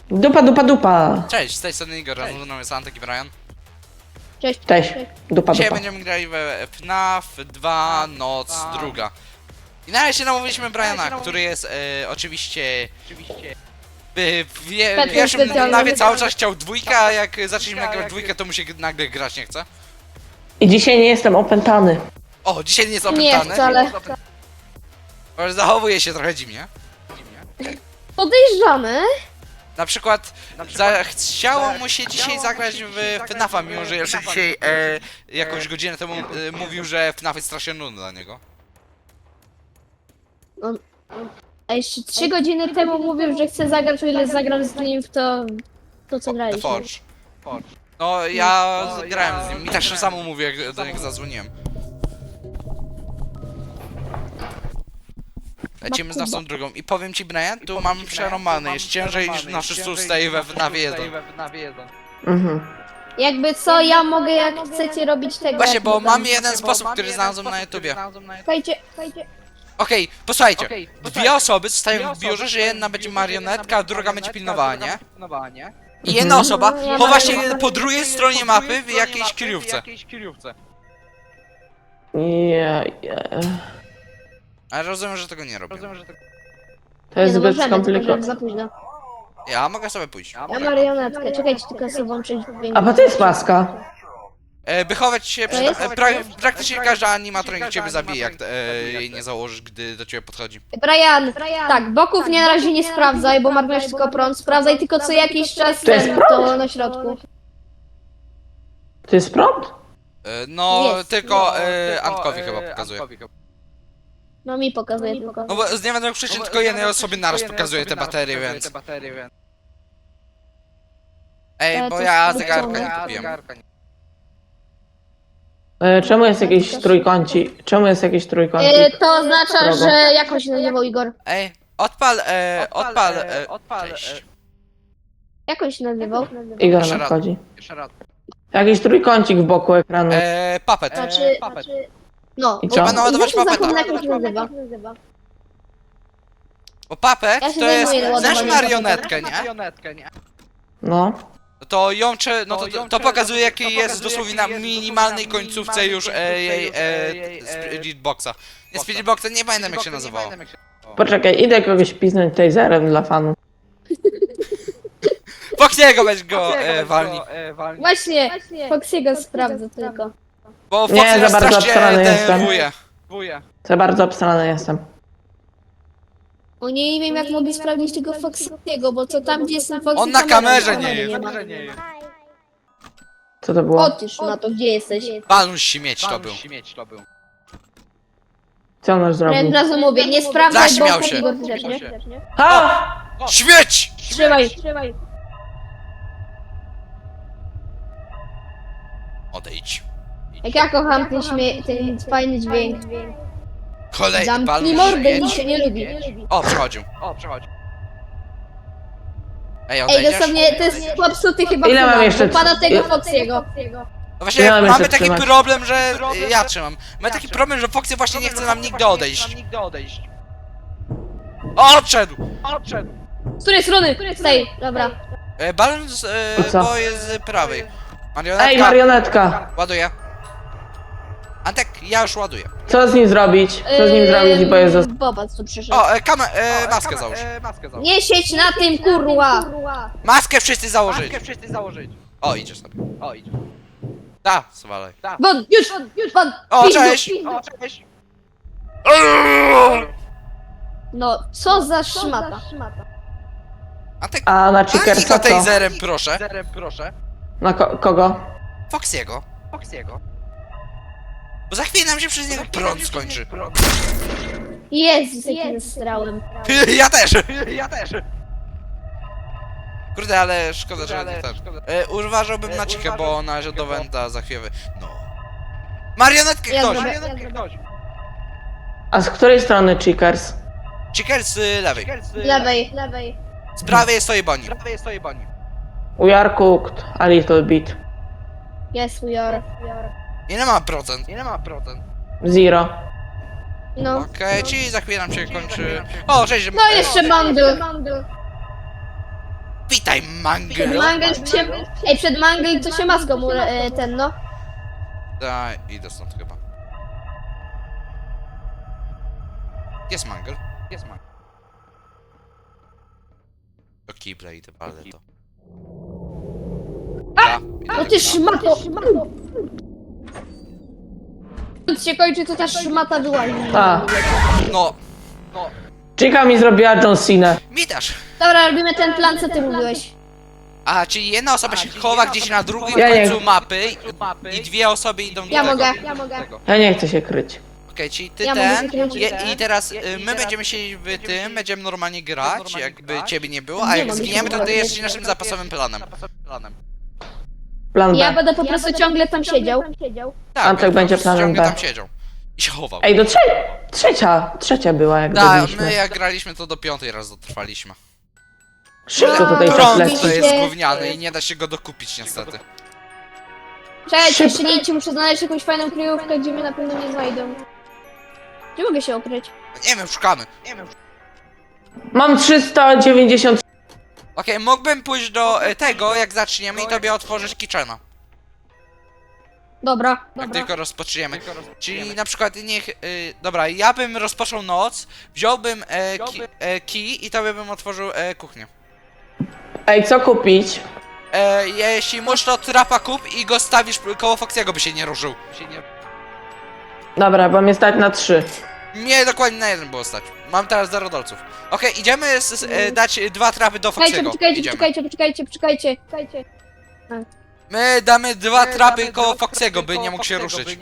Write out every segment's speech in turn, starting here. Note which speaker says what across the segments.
Speaker 1: Dupa, dupa, dupa.
Speaker 2: Cześć, z tej strony Igor, no jest Antek i Brian.
Speaker 3: Cześć.
Speaker 1: Cześć. Dupa,
Speaker 2: Dzisiaj
Speaker 1: dupa.
Speaker 2: będziemy grali we FNAF 2 Noc Druga. I na razie namówiliśmy Briana, który jest oczywiście w pierwszym FNAFie cały czas chciał dwójkę, a jak zaczęliśmy grać dwójkę, to mu się nagle grać nie chce.
Speaker 1: I dzisiaj nie jestem opętany.
Speaker 2: O, dzisiaj nie jest
Speaker 3: Nie
Speaker 2: opętany.
Speaker 3: wcale.
Speaker 2: Bo zachowuje się trochę dziwnie.
Speaker 3: Podejrzane.
Speaker 2: Na przykład chciało mu się dzisiaj zagrać w FNAFa, mimo że jeszcze dzisiaj jakąś godzinę temu mówił, że FNAF jest strasznie nudny dla niego.
Speaker 3: A jeszcze 3 godziny temu mówił, że chce zagrać, o ile zagram z nim w to co
Speaker 2: The
Speaker 3: graliśmy.
Speaker 2: Forge. No ja grałem z nim, mi też samo mówię, jak do niego zadzwoniłem. Lecimy z naszą drugą i powiem ci, Brian, tu mam przerąbane, jest ciężej niż na wszyscy ustaje we FNAFie 1.
Speaker 1: Mhm.
Speaker 3: Jakby co, ja mogę jak chcecie robić tego.
Speaker 2: Właśnie,
Speaker 3: jak
Speaker 2: bo
Speaker 3: to
Speaker 2: mam
Speaker 3: tam.
Speaker 2: jeden sposób, który znalazłem na YouTubie.
Speaker 3: Słuchajcie.
Speaker 2: Okej, posłuchajcie, dwie osoby zostają w biurze, że jedna będzie marionetka, a druga będzie pilnowała, nie? I jedna osoba chowa się po drugiej stronie mapy w jakiejś kryjówce. Ale rozumiem, że tego nie robię.
Speaker 1: To jest
Speaker 3: Nie, no
Speaker 1: zbyt
Speaker 3: możemy,
Speaker 1: skomplikowane.
Speaker 3: tylko za późno.
Speaker 2: Ja mogę sobie pójść.
Speaker 3: Ja marionetkę, czekajcie, tylko sobie włączyć dźwięk.
Speaker 1: A bo to jest maska.
Speaker 2: By chować się,
Speaker 3: To jest?
Speaker 2: praktycznie każdy animatronik ciebie zabije, jak jej nie założysz, gdy do ciebie podchodzi.
Speaker 3: Brian, tak, boków nie na razie nie sprawdzaj, bo marnujesz tylko prąd. Sprawdzaj tylko co jakiś czas
Speaker 1: To jest
Speaker 3: ten,
Speaker 1: prąd?
Speaker 3: to na środku.
Speaker 1: To jest prąd?
Speaker 2: No,
Speaker 3: Jest.
Speaker 2: tylko Antkowi chyba pokazuje.
Speaker 3: No mi pokazuje tylko.
Speaker 2: No bo z niewiadomych przyczyn tylko jednej osobie naraz pokazuje te baterie, więc... Ej, bo
Speaker 3: to
Speaker 2: ja
Speaker 3: jest
Speaker 2: zegarka nie
Speaker 3: wrócone.
Speaker 2: kupiłem.
Speaker 1: Czemu jest jakiś trójkącik? Czemu jest jakiś trójkącik?
Speaker 3: To oznacza,
Speaker 1: Drogo.
Speaker 3: że jakoś się nazywał Igor.
Speaker 2: Ej, cześć.
Speaker 3: Jak on się nazywał?
Speaker 1: Igor
Speaker 2: Jeszcze raz.
Speaker 1: nadchodzi. Jakiś trójkącik w boku ekranu.
Speaker 2: Puppet.
Speaker 3: Znaczy... No,
Speaker 1: I
Speaker 3: bo-
Speaker 1: co?
Speaker 2: Trzeba naładować
Speaker 3: znaczy,
Speaker 2: papeta.
Speaker 3: zapomnę, jak on się nazywa.
Speaker 2: Bo Puppet
Speaker 3: Ja się
Speaker 2: to jest...
Speaker 3: zajmuję
Speaker 2: Znasz
Speaker 3: ładowaniem
Speaker 2: marionetkę, nie?
Speaker 1: No.
Speaker 2: To ją to pokazuje jaki jest dosłownie na minimalnej końcówce już jej Spiritboxa. Nie Spiritboxa, nie pamiętam jak się nazywało.
Speaker 1: Poczekaj, idę kogoś piznąć taserem dla fanów.
Speaker 2: Foxiego weź go walni.
Speaker 3: Właśnie, Foxiego sprawdzę tylko.
Speaker 2: Bo
Speaker 1: Nie,
Speaker 2: Foxy
Speaker 1: za
Speaker 2: nas
Speaker 1: bardzo
Speaker 2: strasznie
Speaker 1: obstrany jestem.
Speaker 2: denerwuje.
Speaker 1: Za bardzo obstrany jestem.
Speaker 3: O nie wiem jak mogli sprawdzić tego Foxiego, bo to tam gdzie jest ten Foxy
Speaker 2: On na
Speaker 3: kamera,
Speaker 2: kamerze
Speaker 3: kamery
Speaker 2: nie
Speaker 3: ma.
Speaker 1: Co to było?
Speaker 3: Otóż na to, gdzie jesteś?
Speaker 2: Balun śmieć to był.
Speaker 1: Co on już
Speaker 3: Ja
Speaker 1: zrobił?
Speaker 3: od razu mówię, nie sprawdzaj,
Speaker 2: Zaśmiał
Speaker 3: bo
Speaker 2: się.
Speaker 3: Igor też, nie?
Speaker 1: Ha!
Speaker 2: Śmieć!
Speaker 3: Trzymaj.
Speaker 2: Odejdź.
Speaker 3: Jak ja kocham ten fajny dźwięk.
Speaker 2: Kolejny
Speaker 3: Zamknij
Speaker 2: balun
Speaker 3: mordę,
Speaker 2: śmieć.
Speaker 3: nikt się nie lubi.
Speaker 2: O, przechodził. Ej,
Speaker 3: Ej,
Speaker 2: odejdziesz?
Speaker 3: dosłownie, to jest popsuty chyba
Speaker 1: Ile mam
Speaker 3: chyba,
Speaker 1: jeszcze
Speaker 3: bo pada tego
Speaker 1: ile-
Speaker 3: Foxiego.
Speaker 2: No właśnie,
Speaker 1: Ja mam
Speaker 2: mamy
Speaker 1: jeszcze
Speaker 2: taki
Speaker 1: trzymać.
Speaker 2: problem, że... Ja trzymam. Mamy taki problem, że Foxy właśnie nie chce nam nigdy odejść. Odszedł!
Speaker 3: Z której strony? Z tej, dobra.
Speaker 2: Balon
Speaker 1: I co?
Speaker 2: bo jest z prawej. Marionetka.
Speaker 1: Ej, marionetka!
Speaker 2: Ładuję. Antek, ja już ładuję.
Speaker 1: Co z nim zrobić? Co z nim zrobić, bo jest...
Speaker 3: Bobac tu przyszedł.
Speaker 2: O, maskę załóż.
Speaker 3: Nie siedź na tym, kurwa!
Speaker 2: Maskę wszyscy założyć. O, idziesz sobie. Da, zwalaj.
Speaker 3: Won, już, won!
Speaker 2: O,
Speaker 3: Pizdu,
Speaker 2: cześć!
Speaker 3: pizdu. No, co za szmata.
Speaker 2: Antek,
Speaker 1: A na
Speaker 2: walnij
Speaker 1: Chickersa
Speaker 2: go
Speaker 1: co?
Speaker 2: taserem, proszę.
Speaker 1: Na kogo?
Speaker 2: Foxiego. Bo za chwilę nam się przez niego prąd skończy.
Speaker 3: Jezus, jakim strałem.
Speaker 2: Ja też! Kurde, ale szkoda, że nie ten. Uważałbym na cichę, bo należy do Wenta za chwilę. No. Marionetkę
Speaker 3: Ja
Speaker 2: ktoś!
Speaker 3: zrobię.
Speaker 1: A z której strony Chickers?
Speaker 2: Chicker z lewej.
Speaker 3: Lewej.
Speaker 2: Z prawej stoi Bonnie.
Speaker 1: We are cooked a little bit.
Speaker 3: Yes, we are.
Speaker 2: Ile ma procent?
Speaker 1: Zero.
Speaker 3: No.
Speaker 2: Okej, czyli za chwilę nam się kończy... O, cześć!
Speaker 3: No jeszcze bundle.
Speaker 2: Witaj, Mangel!
Speaker 3: Mangel się... Ej, przed Mangel to się maską ten, no.
Speaker 2: Daj, idę stąd chyba. Jest Mangel. Jest Mangel. Do kibla idę, palę to.
Speaker 3: No ty szmato! Nic się kończy, to ta szmata wyłazi.
Speaker 1: A,
Speaker 2: No,
Speaker 1: Chica mi zrobiła John Cena.
Speaker 2: mi też.
Speaker 3: Dobra, robimy ten plan, co ty mówiłeś.
Speaker 2: A, czyli jedna osoba się chowa gdzieś na drugim
Speaker 1: Ja nie-
Speaker 2: końcu mapy i dwie osoby idą do
Speaker 3: Ja
Speaker 2: tego.
Speaker 3: mogę, ja mogę.
Speaker 1: Ja nie chcę się kryć.
Speaker 2: Okej, czyli ty
Speaker 3: Ja mogę
Speaker 2: ten
Speaker 3: wykręcić.
Speaker 2: i teraz my będziemy siedzieć w tym, będziemy normalnie grać, jakby ciebie nie było, a
Speaker 3: Nie
Speaker 2: jak
Speaker 3: mogę
Speaker 2: zginiemy, to
Speaker 3: się
Speaker 2: ty jesteś naszym zapasowym planem.
Speaker 1: Plan
Speaker 3: Ja
Speaker 1: B.
Speaker 3: będę po prostu ciągle tam siedział.
Speaker 2: Tak,
Speaker 1: Antek będzie
Speaker 2: po prostu
Speaker 1: planem
Speaker 2: ciągle
Speaker 1: B.
Speaker 2: tam siedział. I się chował.
Speaker 1: Ej, do trzecia była jak
Speaker 2: Tak,
Speaker 1: byliśmy.
Speaker 2: my jak graliśmy to do 5 raz dotrwaliśmy.
Speaker 1: Szybko tutaj czas
Speaker 2: Prąd
Speaker 1: leci.
Speaker 2: to jest gówniany i nie da się go dokupić niestety.
Speaker 3: Czekajcie, jeszcze nie idźcie, muszę znaleźć jakąś fajną kryjówkę, gdzie mnie na pewno nie znajdą. Gdzie mogę się ukryć?
Speaker 2: Nie wiem, szukamy.
Speaker 1: Mam 390.
Speaker 2: Okej, mógłbym pójść do tego, jak zaczniemy i tobie otworzyć kitchena.
Speaker 3: Dobra,
Speaker 2: Jak tylko rozpoczniemy. Czyli na przykład niech... dobra, ja bym rozpoczął noc, wziąłbym kij i tobie bym otworzył kuchnię.
Speaker 1: Ej, co kupić?
Speaker 2: Jeśli możesz, to trapa kup i go stawisz koło Foxiego, by się nie ruszył.
Speaker 1: Dobra, bo mnie stać na 3.
Speaker 2: Nie, dokładnie na jeden było stać. Mam teraz 0 dolców. Okej, idziemy dać 2 trapy do Foxiego. Idziemy.
Speaker 3: Poczekajcie.
Speaker 2: My damy 2 trapy koło Foxiego, by nie mógł się ruszyć.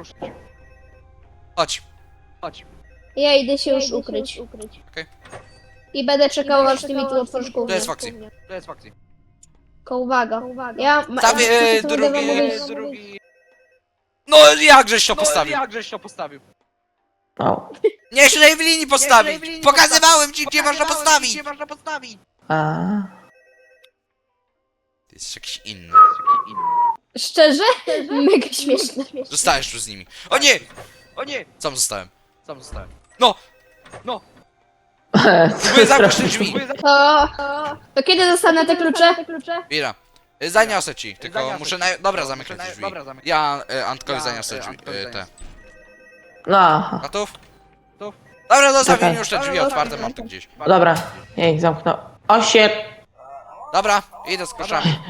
Speaker 2: Chodź.
Speaker 3: Ja idę się już ukryć.
Speaker 2: Okej.
Speaker 3: I będę czekał, aż ty mi tu otworzysz kuchnię.
Speaker 2: To jest Foxy.
Speaker 3: Tylko uwaga. Ja...
Speaker 2: Stawię
Speaker 3: co będę wam
Speaker 2: drugi...
Speaker 3: mówić?
Speaker 2: No jakżeś to postawił?
Speaker 1: O.
Speaker 2: Nie, tutaj w linii postawić! Pokazywałem ci, gdzie można postawić!
Speaker 1: A.
Speaker 2: Ty jesteś jakiś inny.
Speaker 3: Szczerze? Mega śmieszne.
Speaker 2: Zostajesz tu z nimi. O nie! Sam zostałem. No! Próbuję zamknąć te drzwi.
Speaker 3: To kiedy dostanę te klucze?
Speaker 2: Mira. Zaniosę ci, tylko muszę Dobra, zamykaj te drzwi. Ja Antkowi zaniosę drzwi, te.
Speaker 1: No.
Speaker 2: Gotów? Dobra, zostawię
Speaker 1: Czekaj.
Speaker 2: już te drzwi otwarte, mam tu gdzieś.
Speaker 1: Dobra, jej, zamknął. O shit.
Speaker 2: Dobra, idę z kluczami.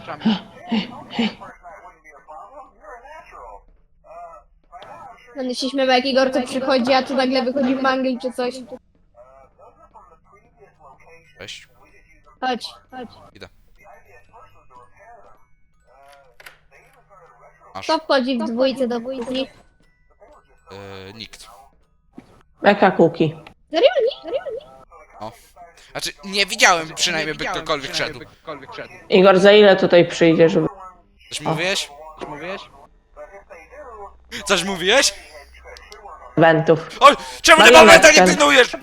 Speaker 3: Będę się śmiewał, jak Igor tu przychodzi, a tu nagle wychodzi Mangel czy coś.
Speaker 2: Cześć.
Speaker 3: Chodź.
Speaker 2: Idę. Masz.
Speaker 3: Kto wchodzi w dwójce do kuchni?
Speaker 2: Nikt.
Speaker 1: Jaka kuki?
Speaker 3: Serio?
Speaker 2: Znaczy, nie widziałem przynajmniej, by ktokolwiek szedł.
Speaker 1: Igor, za ile tutaj przyjdzie, żeby...
Speaker 2: Coś mówiłeś? Coś mówiłeś?
Speaker 1: Wentów.
Speaker 2: O, czemu ty
Speaker 1: Marionetka.
Speaker 2: momenta nie pilnujesz?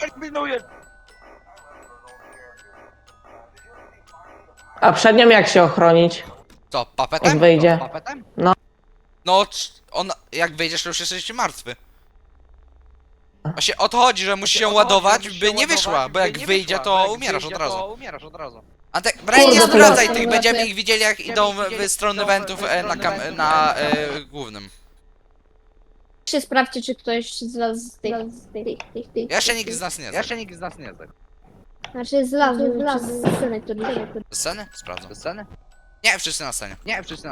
Speaker 1: A przed nią jak się ochronić?
Speaker 2: Co,
Speaker 1: Jak
Speaker 2: papetem?
Speaker 1: wyjdzie? No.
Speaker 2: No, on, jak wyjdziesz, to już jesteś martwy. Właśnie o to chodzi, że musisz się ładować, by nie wyszła, bo jak wyjdzie, to umierasz od razu. Antek, Brian, nie
Speaker 1: Kurde,
Speaker 2: sprawdzaj
Speaker 1: to
Speaker 2: tych,
Speaker 3: ja-
Speaker 2: będziemy ich widzieli, jak idą w stronę wentów na głównym.
Speaker 3: Czy sprawdźcie, czy ktoś zlazł z tych...
Speaker 2: Jeszcze nikt z nas nie zna.
Speaker 3: Znaczy zlazł z sceny, który...
Speaker 2: Sceny? Sprawdzam. Nie, wszyscy na scenie.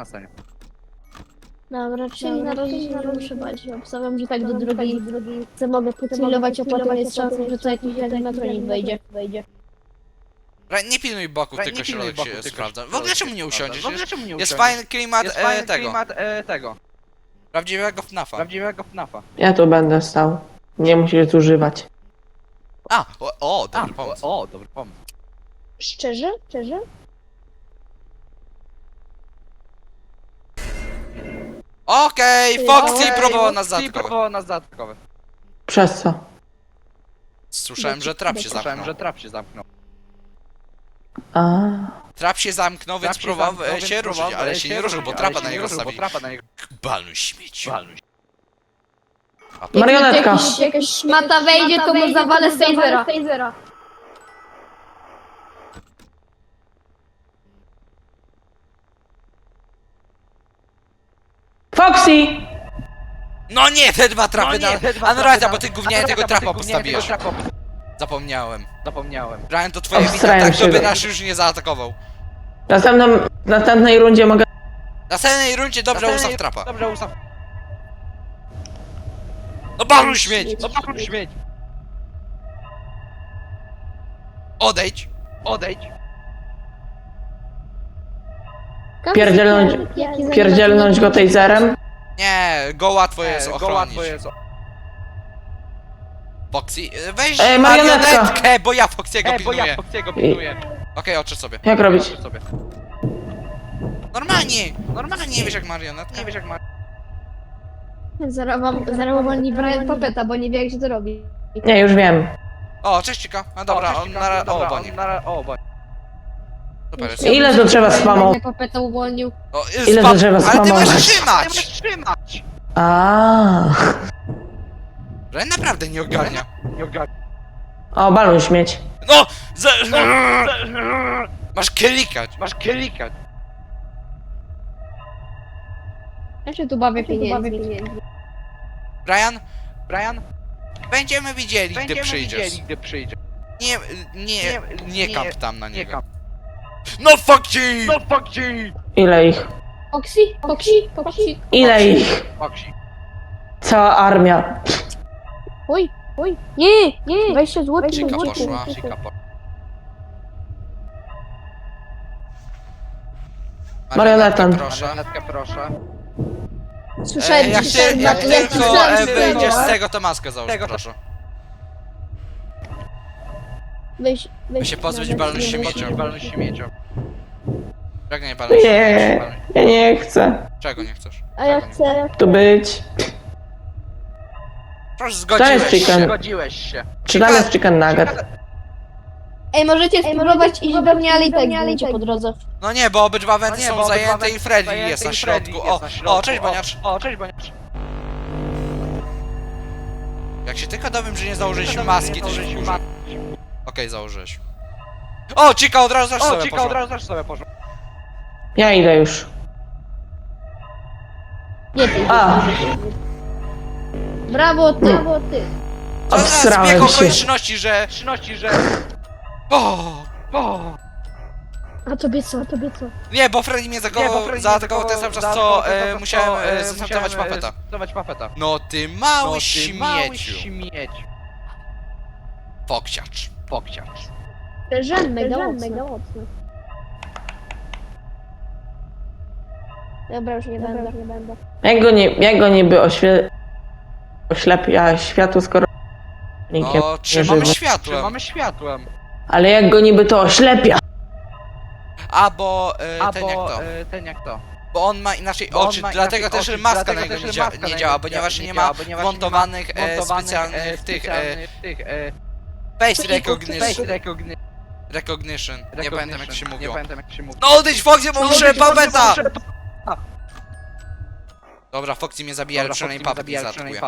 Speaker 3: Dobra, czyli na razie się nie muszę bać. Obstawiam, że tak do drugiej co mogę podpilować, a potem jest szansa, że to jakiś animatronik wejdzie.
Speaker 2: Brian, nie pilnuj boków, tylko środek się sprawdza. W ogóle czemu nie usiądziesz? Jest fajny klimat tego. Prawdziwego FNAF-a.
Speaker 1: Ja tu będę stał. Nie musisz zużywać.
Speaker 2: A, dobry pomysł.
Speaker 3: Szczerze?
Speaker 2: Okej, Foxy próbował nas zaatakować.
Speaker 1: Przez co?
Speaker 2: Słyszałem, że trap się zamknął.
Speaker 1: A.
Speaker 2: Trap się zamknął, więc próbował się ruszyć, ale się nie ruszył, bo trapa na niego stawili. Baluj śmieci.
Speaker 1: Marionetka.
Speaker 3: Jakaś szmata wejdzie, to mu zawalę z tasera.
Speaker 1: Foxy!
Speaker 2: No nie, te dwa trapy, a no racja, bo ty gównianie tego trapa
Speaker 4: trapa
Speaker 2: postawiłeś. Zapomniałem. Brian, to twoja wina,
Speaker 1: Obstrałem
Speaker 2: tak to
Speaker 1: się.
Speaker 2: by nas już nie zaatakował.
Speaker 1: W następnej rundzie mogę...
Speaker 2: W następnej rundzie dobrze
Speaker 4: Następnej-
Speaker 2: ustaw trapa.
Speaker 4: Dobrze, ustaw.
Speaker 2: No balu śmieć!
Speaker 4: No pakuj śmieć.
Speaker 2: Odejdź!
Speaker 4: Odejdź.
Speaker 1: Pierdzielnąć go taserem.
Speaker 2: Nie, go łatwo jest
Speaker 4: Go
Speaker 2: ochronić.
Speaker 4: łatwo jest.
Speaker 2: Foxy, weź
Speaker 1: Marionetka.
Speaker 2: marionetkę, bo ja Foxy'ego
Speaker 4: Bo
Speaker 2: pilnuję.
Speaker 4: ja Foxy'ego pilnuję.
Speaker 2: Okej, oczy sobie.
Speaker 1: Jak robić?
Speaker 4: Sobie.
Speaker 2: Normalnie, nie wiesz jak marionetka.
Speaker 4: Nie wiesz jak ma...
Speaker 3: Zaraz uwolni Brian Papeta, bo nie wie jak się to robi.
Speaker 1: Nie, już wiem.
Speaker 2: O, cześć Cika. A dobra, on na... O,
Speaker 4: Dobra,
Speaker 2: bonie.
Speaker 4: O, bonie.
Speaker 2: Super jest.
Speaker 1: Ile to trzeba spamować?
Speaker 3: Brian Papeta uwolnił.
Speaker 2: O,
Speaker 1: Ile to trzeba
Speaker 2: ale ty
Speaker 1: spamować?
Speaker 2: masz
Speaker 4: Ty
Speaker 2: trzymać!
Speaker 4: możesz trzymać!
Speaker 1: A.
Speaker 2: Że naprawdę nie ogarnia.
Speaker 4: Nie ogarnij.
Speaker 1: O, balon śmieć.
Speaker 2: No! Masz klikać.
Speaker 4: Masz klikać.
Speaker 3: Ja się tu bawię pieniędzmi.
Speaker 2: Brian, będziemy widzieli, gdy
Speaker 4: Będziemy
Speaker 2: przyjdziesz.
Speaker 4: widzieli, gdy przyjdziesz.
Speaker 2: Nie kamp tam na
Speaker 4: Nie
Speaker 2: niego.
Speaker 4: kamp.
Speaker 2: No fuck you!
Speaker 4: No fuck you!
Speaker 1: Ile ich?
Speaker 3: Foxy?
Speaker 1: Ile ich?
Speaker 4: Foxy.
Speaker 1: Cała armia.
Speaker 3: Oj. Nie. 20 zł.
Speaker 2: Cika poszła.
Speaker 1: Marionetem.
Speaker 2: Proszę.
Speaker 4: Marionetkę proszę.
Speaker 3: Słyszałem
Speaker 2: Jak
Speaker 3: dzisiaj
Speaker 2: ty, jak tylko wyjdziesz z
Speaker 3: Weź,
Speaker 2: tego, to maskę załóż, proszę.
Speaker 3: weź.
Speaker 2: się pozbyć balonu śmiecią.
Speaker 4: Balon śmiecią.
Speaker 2: Czego nie palisz?
Speaker 1: Nie, ja nie chcę
Speaker 2: Czego nie chcesz?
Speaker 3: A ja chcę.
Speaker 1: tu być.
Speaker 2: Proszę,
Speaker 1: jest
Speaker 2: zgodziłeś
Speaker 1: chicken?
Speaker 2: się.
Speaker 4: Zgodziłeś się.
Speaker 1: Czy tam jest chicken nugget?
Speaker 3: Ej, możecie spróbować iść do mnie, ale i tak będziecie po drodze.
Speaker 2: No nie, bo obydwa wenty są
Speaker 4: bo
Speaker 2: zajęte i Freddy
Speaker 4: zajęte
Speaker 2: jest na
Speaker 4: i Freddy
Speaker 2: środku.
Speaker 4: jest na środku.
Speaker 2: O, cześć baniacz.
Speaker 4: O, cześć baniacz.
Speaker 2: Jak się tylko dowiem, że nie założyliśmy maski, to się wkurzę.
Speaker 4: maski.
Speaker 2: Okej, założyłeś. O, Cika, od razu zaś
Speaker 4: O,
Speaker 2: sobie
Speaker 4: Cika,
Speaker 2: poszła.
Speaker 4: od razu też sobie poszło.
Speaker 1: Ja idę już.
Speaker 3: Nie ty.
Speaker 1: A,
Speaker 3: Brawo ty.
Speaker 2: Co za
Speaker 1: obsrałem
Speaker 2: zbieg
Speaker 1: się.
Speaker 2: okoliczności, że... O!
Speaker 3: A tobie co?
Speaker 2: Nie, bo Freddy mnie zaatakował ten sam czas, co musiałem zestartować papeta. No ty mały śmieciu. Foksiacz.
Speaker 3: Żen mega mocno. Dobra, już nie będę.
Speaker 1: Jak go niby oślepia światło, skoro... nikiem
Speaker 2: No,
Speaker 1: nie
Speaker 2: trzymamy
Speaker 1: żywy.
Speaker 2: światłem.
Speaker 4: Mamy światłem.
Speaker 1: Ale jak go niby to oślepia?
Speaker 2: A, bo
Speaker 4: Ten jak to.
Speaker 2: bo on ma inaczej
Speaker 4: Bo on
Speaker 2: oczy,
Speaker 4: ma
Speaker 2: dlatego
Speaker 4: inaczej
Speaker 2: też
Speaker 4: oczy,
Speaker 2: maska
Speaker 4: dlatego
Speaker 2: na niego
Speaker 4: też
Speaker 2: nie,
Speaker 4: maska na
Speaker 2: nie
Speaker 4: niego
Speaker 2: działa,
Speaker 4: nie
Speaker 2: ponieważ
Speaker 4: działa,
Speaker 2: nie ma
Speaker 4: ponieważ nie ma
Speaker 2: wmontowanych specjalnych tych face recognition. Nie pamiętam jak się mówiło. No odejdź Foxy, bo muszę papeta! Dobra, Foxy mnie zabija, ale przynajmniej papet nie zaatakuje.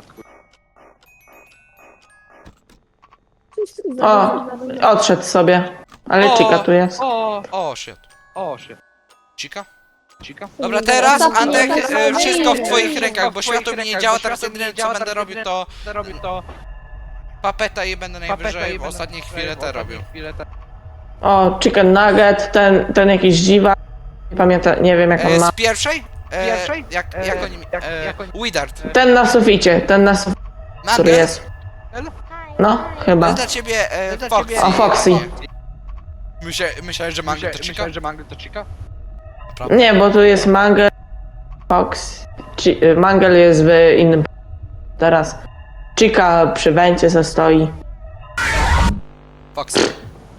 Speaker 1: O, odszedł sobie. Ale
Speaker 2: O.
Speaker 1: Chica tu jest.
Speaker 2: O, shit.
Speaker 4: Shit.
Speaker 2: Cika?
Speaker 4: Cika?
Speaker 2: Dobra, teraz
Speaker 3: Ostatni
Speaker 2: Antek,
Speaker 3: ostatni
Speaker 2: wszystko w
Speaker 3: jeden.
Speaker 2: twoich rękach, bo światło mi nie działa, teraz jedyne co będę robił to papeta i będę najwyżej w ostatniej chwili te robił.
Speaker 1: O, chicken nugget, ten jakiś dziwa. Nie pamiętam, nie wiem jak on ma.
Speaker 2: Z pierwszej?
Speaker 4: Pierwszej?
Speaker 2: Jak oni... Widard.
Speaker 1: Ten na suficie, który jest. No, chyba.
Speaker 2: To dla ciebie Foxy.
Speaker 1: O, Foxy.
Speaker 2: Myślałeś, że Mango to Chica?
Speaker 4: Myślałem, że Mango to Cika?
Speaker 1: Nie, bo tu jest Mangel, Fox. Mangel jest w innym... Teraz. Chica przy węcie se stoi.
Speaker 2: Foxy.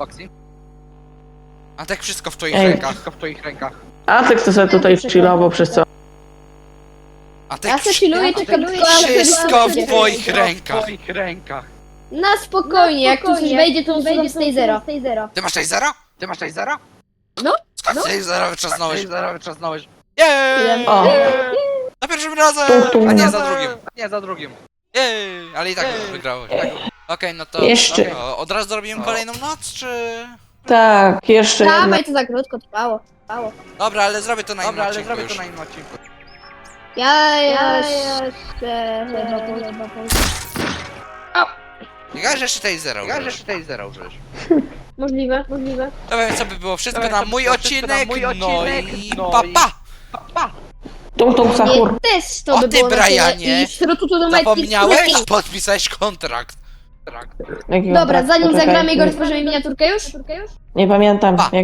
Speaker 2: Antek, wszystko w twoich rękach.
Speaker 4: Wszystko w twoich rękach.
Speaker 1: A ty kto sobie tutaj chillował przez co?
Speaker 2: Antek,
Speaker 3: Ja se chilluję, czekam tylko aż
Speaker 2: wszystko w
Speaker 3: będzie.
Speaker 2: twoich
Speaker 4: W
Speaker 2: rękach.
Speaker 4: twoich rękach.
Speaker 3: Na spokojnie, jak tu coś wejdzie, to usuwam z tej zero.
Speaker 2: Ty masz tasera?
Speaker 4: Ty masz tasera?
Speaker 2: Skąd tasera wyczasnąłeś?
Speaker 4: Tasera wyczasnąłeś.
Speaker 2: Jej!
Speaker 1: O,
Speaker 2: Za pierwszym razem!
Speaker 1: Tum, tum.
Speaker 2: A nie za drugim.
Speaker 4: Nie, za drugim.
Speaker 2: Jej! Ale i tak wygrałeś. Okej, no to...
Speaker 1: Jeszcze.
Speaker 2: Od razu zrobimy kolejną noc, czy...
Speaker 1: tak, jeszcze jedna.
Speaker 3: Dawaj, to za krótko trwało.
Speaker 2: Dobra, ale zrobię to na innym
Speaker 4: Dobra, ale
Speaker 2: odcinku
Speaker 4: zrobię
Speaker 2: już.
Speaker 4: to na innym odcinku.
Speaker 3: Ja jeszcze chyba
Speaker 2: Nie gadaj, że jeszcze tej zero
Speaker 4: Ja
Speaker 2: użyjesz.
Speaker 4: że tutaj zero użyjesz.
Speaker 3: Możliwe.
Speaker 2: Dobra, więc to by było wszystko
Speaker 4: Dobra,
Speaker 2: na
Speaker 4: to
Speaker 2: mój
Speaker 4: było wszystko na
Speaker 2: odcinek,
Speaker 4: mój
Speaker 2: no
Speaker 4: odcinek,
Speaker 2: i
Speaker 4: no
Speaker 2: pa
Speaker 4: i-
Speaker 2: pa!
Speaker 1: Tung tung sahur.
Speaker 3: Nie, też to
Speaker 2: O
Speaker 3: by
Speaker 2: ty,
Speaker 3: było na tyle.
Speaker 2: Brianie!
Speaker 3: I śrutu do metki.
Speaker 2: Zapomniałeś? Podpisałeś kontrakt.
Speaker 1: Jaki
Speaker 3: Dobra,
Speaker 1: kontrakt?
Speaker 3: zanim
Speaker 1: Poczekaj.
Speaker 3: zagramy go, otworzymy miniaturkę już?
Speaker 1: Nie pamiętam.
Speaker 2: Pa.